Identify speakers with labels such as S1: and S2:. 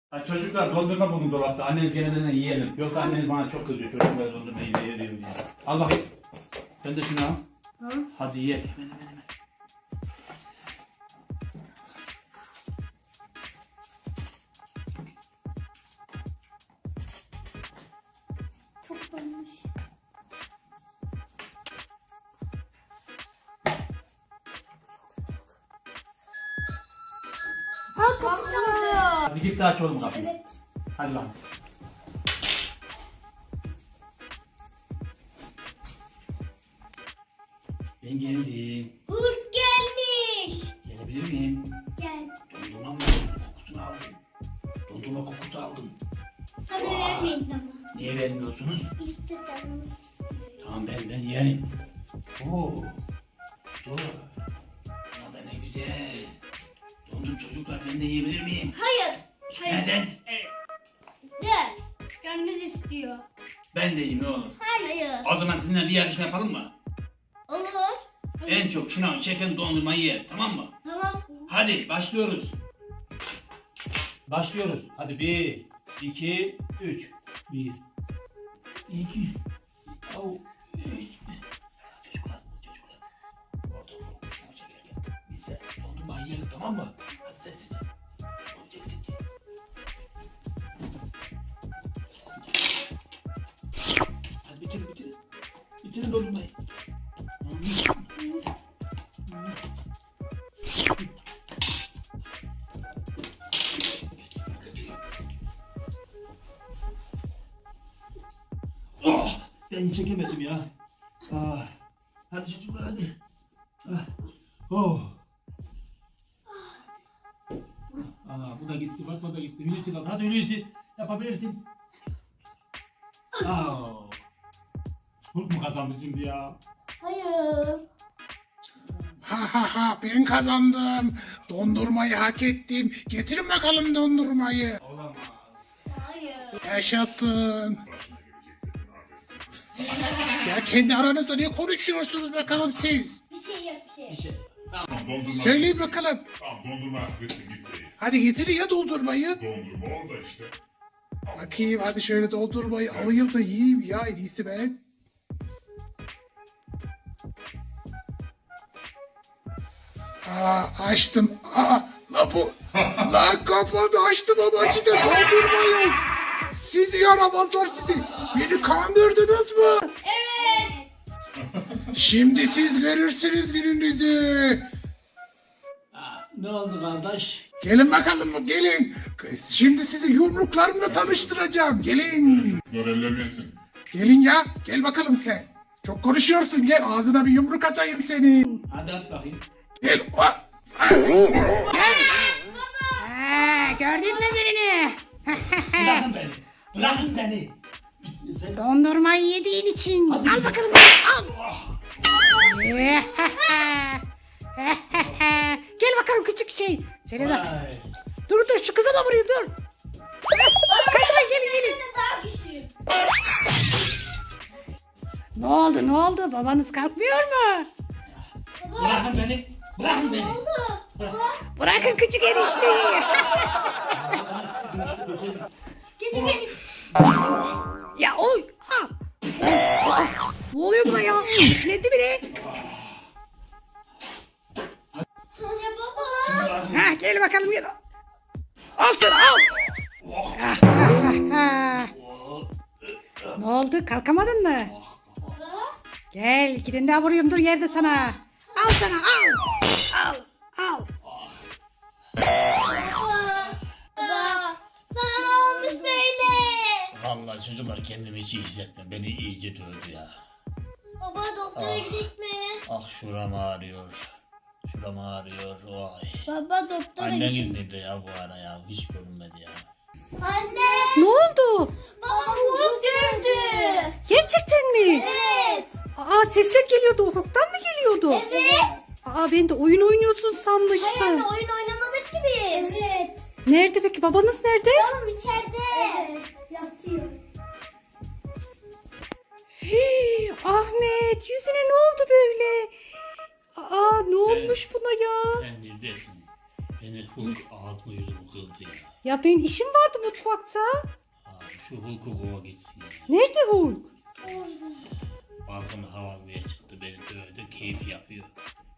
S1: Ha, çocuklar dondurma buldum dolapta. Anneniz gelmeden yiyelim. Yoksa anneniz bana çok kızıyor. Çocuklar dondurma yiyor diye. Al bakayım. Sen de şunu al.
S2: Hı?
S1: Hadi ye. Hemen.
S2: Çok donmuş. Kapalı.
S1: Hadi git de aç oğlum kapıyı.
S2: Evet.
S1: Hadi lan. Ben geldim.
S2: Hurt gelmiş.
S1: Gelebilir miyim?
S2: Gel.
S1: Dondurma mı? Kokusunu aldım. Dondurma kokusu aldım.
S2: Sana vermeyiz ama.
S1: Niye vermiyorsunuz?
S2: İşte canımız istiyor.
S1: Tamam ben yerim. Oo. Dur. Ama da ne güzel. Dondum çocuklar, ben de yiyebilir miyim?
S2: Hayır.
S1: Neden?
S2: Gel. Canımız istiyor.
S1: Ben de yiyeyim, ne olur.
S2: Hayır.
S1: O zaman sizinle bir yarışma yapalım mı?
S2: Olur.
S1: En çok şınav çeken dondurmayı yer, tamam mı?
S2: Tamam.
S1: Hadi başlıyoruz. Başlıyoruz. Hadi 1, 2, 3. 1, 2, 3. Çocuklar. Orada şınav çekerken biz de dondurmayı yiyelim, tamam mı? Hadi sessizce. Çek. Hadi bitirin. Bitirin dondurmayı. Oh, ben çekemedim ya. Ah, hadi çocuklar hadi. Ah, oh. Bu da gitti, Fatma da gitti. Hulusi kaldı. Hadi Hulusi, yapabilirsin. Hulk mu kazandı şimdi ya?
S2: Hayır.
S3: Ha ben kazandım. Dondurmayı hak ettim. Getirin bakalım dondurmayı.
S1: Olamaz.
S2: Hayır.
S3: Yaşasın. Ya kendi aranızda ne konuşuyorsunuz bakalım siz?
S2: Bir şey yok bir şey.
S4: Tamam dondurma.
S3: Söyleyin bakalım.
S4: Tamam dondurma affettim gitti.
S3: Hadi getirin ya dondurmayı.
S4: Dondurma orada işte.
S3: Bakayım hadi şöyle dondurmayı alayım da yiyeyim ya en iyisi ben. Açtım. La bu. La kapadı açtım ama içinde dondurma yok. Sizi yaramazlar sizi. Beni kandırdınız mı?
S2: Evet.
S3: Şimdi siz görürsünüz gününüzü.
S1: Ne oldu kardeş?
S3: Gelin bakalım gelin. Şimdi sizi yumruklarımla tanıştıracağım. Gelin.
S4: Dur ellemeyesin.
S3: Gelin ya. Gel bakalım sen. Çok konuşuyorsun. Gel ağzına bir yumruk atayım senin.
S1: Hadi at bakayım.
S3: Gel. Gördün mü gününü?
S1: Bırakın beni.
S3: Dondurmayı yediğin için.
S1: Hadi.
S3: Al bakalım. Al. Gel bakalım küçük şey. Seni de.
S1: Vay.
S3: Dur şu kıza da vurayım dur. Kaçma gelin.
S2: Daha güçlüyüm.
S3: Ne oldu? Babanız kalkmıyor mu?
S1: Bırakın beni. Bırakın beni.
S3: Bırakın küçük enişteyi.
S2: Küçük
S3: Ya oy. Ne oluyor buna ya? Üflendi bile.
S2: Ya baba.
S3: Gel bakalım gel. Al sana al. Ne oldu? Kalkamadın mı? Gel gidin daha vuruyorum dur yerde sana. Al sana al. Al.
S2: Baba. Sana ne olmuş böyle?
S1: Vallahi çocuklar, kendimi hiç iyi hissetmiyorum. Beni iyice dövdü ya.
S2: Baba doktora gidelim mi?
S1: Ah şuram ağrıyor. Vay.
S2: Baba doktora
S1: Anneniz nerede ya bu ara ya? Hiç görünmedi ya.
S2: Anne.
S3: Ne oldu?
S2: Baba Hulk gördü.
S3: Gerçekten mi?
S2: Evet.
S3: Sesler geliyordu. Ufuktan mı geliyordu?
S2: Evet.
S3: Ben de oyun oynuyorsun sanmıştım.
S2: Hayır anne oyun oynamadık ki biz. Evet.
S3: Nerede peki? Babanız nerede?
S2: Oğlum içeride. Evet. Yatıyor.
S3: Ahmet yüzüne ne oldu böyle? Ne olmuş buna ya?
S1: Sen neredesin? Beni Hulk ağzımı yüzümü kırdı ya.
S3: Ya benim işim vardı mutfakta.
S1: Abi şu Hulk'u kova gitsin ya.
S3: Nerede Hulk?
S1: Balkona hava almaya çıktı. Beni dövdü. Keyif yapıyor.